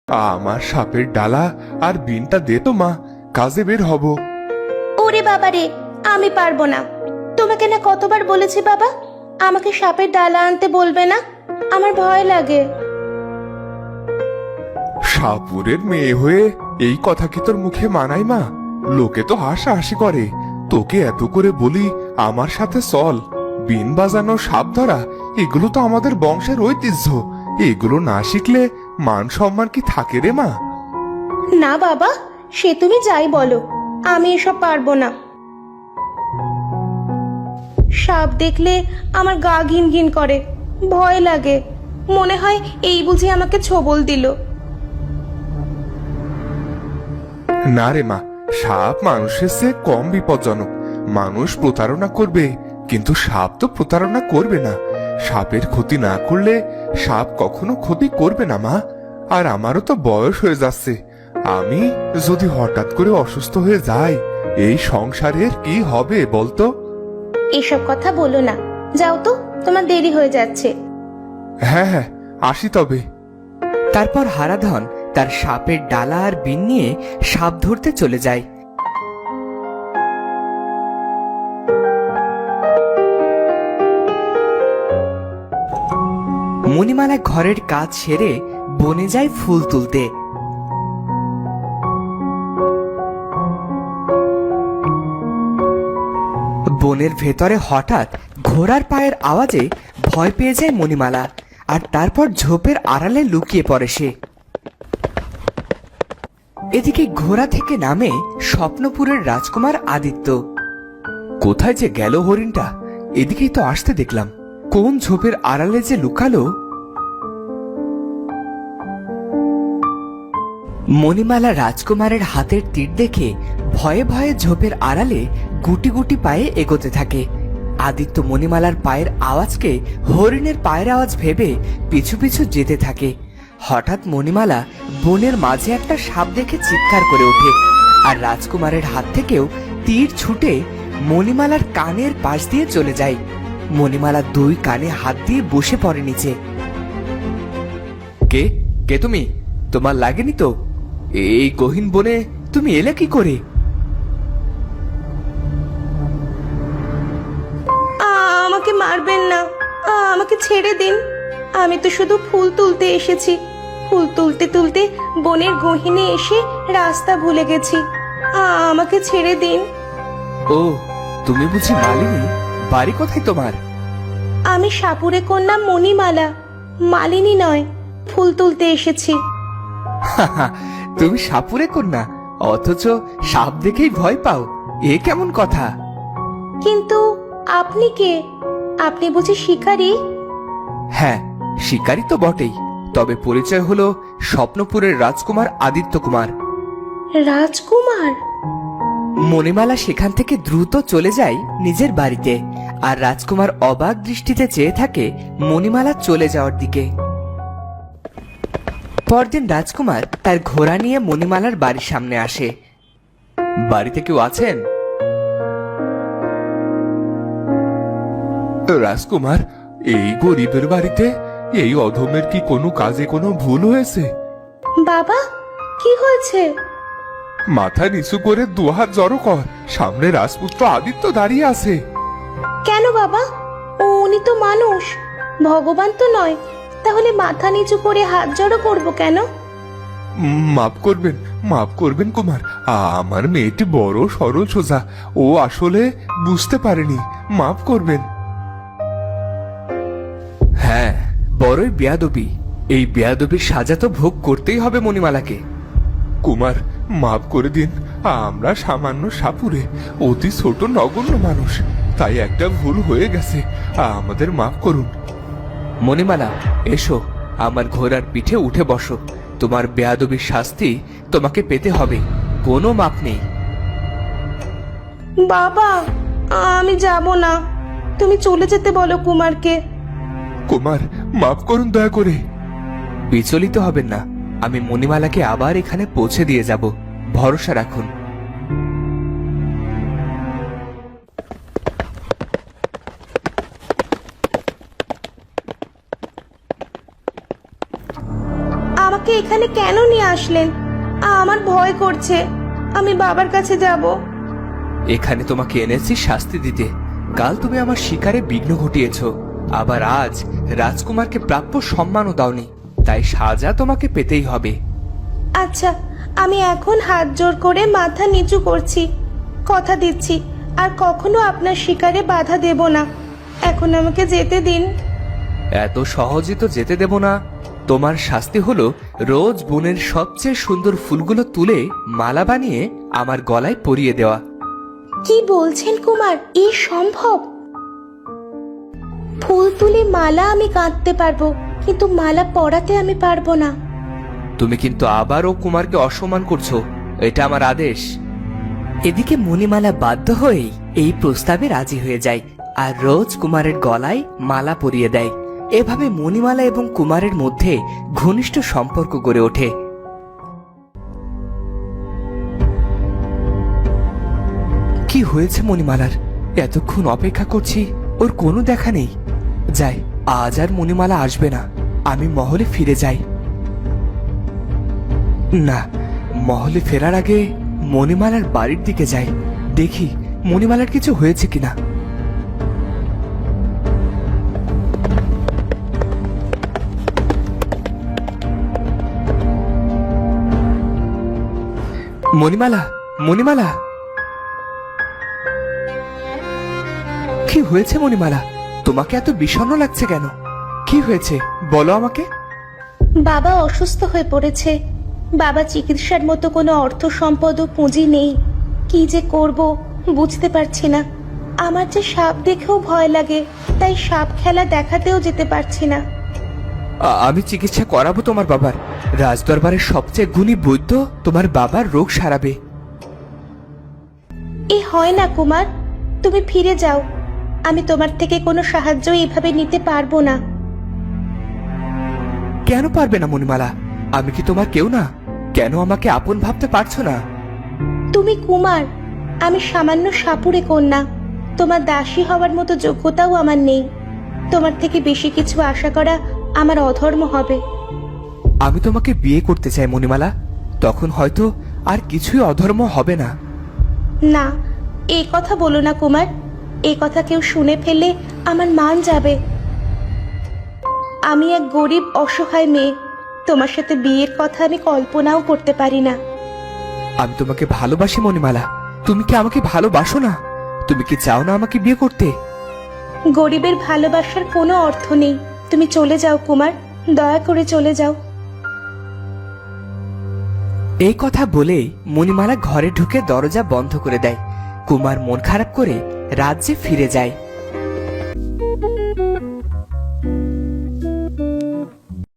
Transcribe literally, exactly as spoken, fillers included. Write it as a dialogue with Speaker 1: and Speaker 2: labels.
Speaker 1: আমার সাপের ডালা আর বিনটা দে তো মা, কাজে বের হব।
Speaker 2: ওরে বাবা রে, আমি পারবো না। তোমাকে না কতবার বলেছি বাবা, আমাকে সাপের ডালা আনতে বলবে না, আমার ভয় লাগে।
Speaker 1: সাপুরের মেয়ে হয়ে এই কথা কি তোর মুখে মানায় মা? লোকে তো হাসাহাসি করে। তোকে এত করে বলি আমার সাথে চল, বিন বাজানো, সাপ ধরা, এগুলো তো আমাদের বংশের ঐতিহ্য। এগুলো না শিখলে মান সম্মান কি থাকে রে মা?
Speaker 2: না বাবা, সে তুমি যাই বলো, আমি এসব পারবো না। সাপ দেখলে আমার গা ঘিন ঘিন করে, ভয় লাগে। মনে হয় এই বুঝি আমাকে ছোবল দিল।
Speaker 1: না রে মা, সাপ মানুষের চেয়ে কম বিপজ্জনক। মানুষ প্রতারণা করবে, কিন্তু সাপ তো প্রতারণা করবে না। সাপের ক্ষতি না করলে সাপ কখনো ক্ষতি করবে না মা। আর আমারও তো বয়স হয়ে যাচ্ছে, আমি যদি হঠাৎ করে অসুস্থ হয়ে যাই, এই সংসারের কি হবে বলতো?
Speaker 2: এসব কথা বলো না, যাও তো, তোমার দেরি হয়ে যাচ্ছে।
Speaker 1: হ্যাঁ হ্যাঁ, আসি তবে।
Speaker 3: তারপর হারাধন তার সাপের ডালা আর বিন নিয়ে সাপ ধরতে চলে যায়। মণিমালা ঘরের কাজ সেরে বনে যায় ফুল তুলতে। বনের ভেতরে হঠাৎ ঘোড়ার পায়ের আওয়াজে ভয় পেয়ে যায় মণিমালা, আর তারপর ঝোপের আড়ালে লুকিয়ে পড়ে সে। এদিকে ঘোড়া থেকে নামে স্বপ্নপুরের রাজকুমার আদিত্য। কোথায় যে গেল হরিণটা? এদিকেই তো আসতে দেখলাম, কোন ঝোপের আড়ালে যে লুকালো। মণিমালা রাজকুমারের হাতের তীর দেখে ভয়ে ভয়ে ঝোপের আড়ালে গুটি গুটি পায়ে এগোতে থাকে। আদিত্য মণিমালার পায়ের আওয়াজকে হরিণের পায়ের আওয়াজ ভেবে পিছু পিছু যেতে থাকে। হঠাৎ মণিমালা বনের মাঝে একটা সাপ দেখে চিৎকার করে ওঠে, আর রাজকুমারের হাত থেকেও তীর ছুটে মণিমালার কানের পাশ দিয়ে চলে যায়। মণিমালা দুই কানে হাত দিয়ে বসে পড়ে নিচে। কে কে তুমি? তোমার লাগেনি তো? এই গহীন বনে তুমি এলে কি করে?
Speaker 2: আমাকে মারবেন না, আমাকে ছেড়ে দিন। আমি তো শুধু ফুল তুলতে এসেছি। ফুল তুলতে তুলতে বনের গহীনে এসে রাস্তা ভুলে গেছি। আমাকে ছেড়ে দিন।
Speaker 3: ও, তুমি বুঝি মালিনী? বাড়ি কোথায় তোমার?
Speaker 2: আমি সাপুরে কন্যা মণিমালা, মালিনী নয়। ফুল তুলতে এসেছি।
Speaker 3: তুমি সাপুরে কন্যা, অথচ সাপ দেখেই ভয় পাও? এ কেমন কথা?
Speaker 2: কিন্তু আপনি কে? আপনি বুঝি শিকারী?
Speaker 3: হ্যাঁ, শিকারী তো বটেই, তবে পরিচয় হলো স্বপ্নপুরের রাজকুমার আদিত্য কুমার।
Speaker 2: রাজকুমার?
Speaker 3: মণিমালা সেখান থেকে দ্রুত চলে যায় নিজের বাড়িতে, আর রাজকুমার অবাক দৃষ্টিতে চেয়ে থাকে মণিমালা চলে যাওয়ার দিকে। পরদিন রাজকুমার তার ঘোড়া নিয়ে মণিমালার বাড়ির সামনে আসে। বাড়িতে কেউ আছেন?
Speaker 1: রাজকুমার, এই গরিবের বাড়িতে এই অধমের কি কোনো কাজে কোনো ভুল হয়েছে?
Speaker 2: বাবা, কি হয়েছে?
Speaker 1: মাথা নিচু করে দুহাত জড়ো কর, সামনে রাজপুত্র আদিত্য দাঁড়িয়ে আছে।
Speaker 2: কেন বাবা? উনি তো মানুষ, ভগবান তো নয়। তাহলে মাথা নিচু করে হাত জড়ো করবো কেন?
Speaker 1: উম, মাফ করবেন, মাফ করবেন কুমার। আমার মেয়েটি বড় সরল সোজা, ও আসলে বুঝতে পারেনি, মাফ করবেন।
Speaker 3: হ্যাঁ, বড়ই বেয়াদবি। এই বেয়াদবির সাজা তো ভোগ করতেই হবে মণিমালাকে।
Speaker 1: কুমার, মাফ করে দিন। আমরা সামান্য সাপুরে অতি ছোট নগণ্য মানুষ, তাই একটা ভুল হয়ে গেছে, আমাদের মাফ করুন।
Speaker 3: মণিমালা, এসো, আমার ঘোড়ার পিঠে উঠে বসো। তোমার বেয়াদবির শাস্তি তোমাকে পেতে হবে, কোনো মাপ নেই।
Speaker 2: বাবা, আমি যাব না। তুমি চলে যেতে বলো কুমারকে।
Speaker 1: কুমার, মাফ করুন দয়া করে।
Speaker 3: বিচলিত হবেন না, আমি মণিমালাকে আবার এখানে পৌঁছে দিয়ে যাব, ভরসা রাখুন।
Speaker 2: আমাকে এখানে কেন নিয়ে আসলেন? আমার ভয় করছে, আমি বাবার কাছে যাব।
Speaker 3: এখানে তোমাকে এনেছি শাস্তি দিতে। কাল তুমি আমার শিকারে বিঘ্ন ঘটিয়েছ, আবার আজ রাজকুমারকে প্রাপ্য সম্মানও দাওনি, তাই সাজা তোমাকে পেতেই হবে।
Speaker 2: আচ্ছা, আমি এখন হাত জোর করে মাথা নিচু করছি, কথা দিচ্ছি আর কখনো আপনার শিকারে বাধা দেব না। এখন আমাকে যেতে দিন।
Speaker 3: এত সহজে তো যেতে দেব না। তোমার শাস্তি হলো রোজ বনের সবচেয়ে সুন্দর ফুলগুলো তুলে মালা বানিয়ে আমার গলায় পরিয়ে দেওয়া।
Speaker 2: কি বলছেন কুমার, এ সম্ভব? ফুল তুলে মালা আমি গাঁথতে পারবো, কিন্তু মালা পরাতে আমি পারবো না।
Speaker 3: তুমি কিন্তু আবারও কুমারকে অসম্মান করছো, এটা আমার আদেশ। এদিকে মণিমালা বাধ্য হয়ে এই প্রস্তাবে রাজি হয়ে যায় আর রোজ কুমারের গলায় মালা পরিয়ে দেয়। এভাবে মণিমালা এবং কুমারের মধ্যে ঘনিষ্ঠ সম্পর্ক গড়ে ওঠে। কি হয়েছে মণিমালার? এতক্ষণ অপেক্ষা করছি, ওর কোনো দেখা নেই। যাই, আজ আর মণিমালা আসবে না, আমি মহলে ফিরে যাই। না, মহলে ফেরার আগে মণিমালার বাড়ির দিকে যাই, দেখি মণিমালার কিছু হয়েছে কিনা। মণিমালা, মণিমালা, কি হয়েছে মণিমালা? তোমাকে এত বিষণ্ণ লাগছে কেন? কি হয়েছে বলো আমাকে।
Speaker 2: বাবা অসুস্থ হয়ে পড়েছে। বাবা চিকিৎসার মতো কোনো অর্থ সম্পদ ও পুঁজি নেই। কি যে করব বুঝতে পারছি না। আমার যে সাপ দেখেও ভয় লাগে, তাই সাপ খেলা দেখাতেও যেতে পারছি না।
Speaker 3: আ- আমি চিকিৎসা করাবো তোমার বাবার। রাজদরবারের সবচেয়ে গুণী বৈদ্য তোমার বাবার রোগ সারাবে।
Speaker 2: এ হয় না কুমার, তুমি ফিরে যাও। আমি তোমার থেকে কোনো সাহায্য এইভাবে নিতে পারবো না।
Speaker 3: কেন পারবে না মণিমালা? আমি কি তোমার কেউ না? কেন আমাকে আপন ভাবতে পারছো না?
Speaker 2: তুমি কুমার, আমি সামান্য সাপুড়ে কন্যা। তোমার দাসী হওয়ার মতো যোগ্যতাও আমার নেই। তোমার থেকে বেশি কিছু আশা করা আমার অধর্ম হবে।
Speaker 3: আমি তোমাকে বিয়ে করতে চাই মণিমালা, তখন হয়তো আর কিছুই অধর্ম হবে না।
Speaker 2: না, এই কথা বলো না কুমার। এই কথা কেউ শুনে ফেললে আমার মান যাবে। আমি এক গরিব অসহায় মেয়ে। তোমার সাথে বিয়ের কথা আমি কল্পনাও করতে পারি না।
Speaker 3: আমি তোমাকে ভালোবাসি মণিমালা। তুমি কি আমাকে ভালোবাসো না? তুমি কি চাও না আমাকে বিয়ে করতে?
Speaker 2: গরিবের ভালোবাসার কোনো অর্থ নেই। তুমি চলে যাও কুমার, দয়া করে চলে যাও।
Speaker 3: এই কথা বলে মণিমালা ঘরে ঢুকে দরজা বন্ধ করে দেয়। কুমার মন খারাপ করে রাজ্যে ফিরে যায়।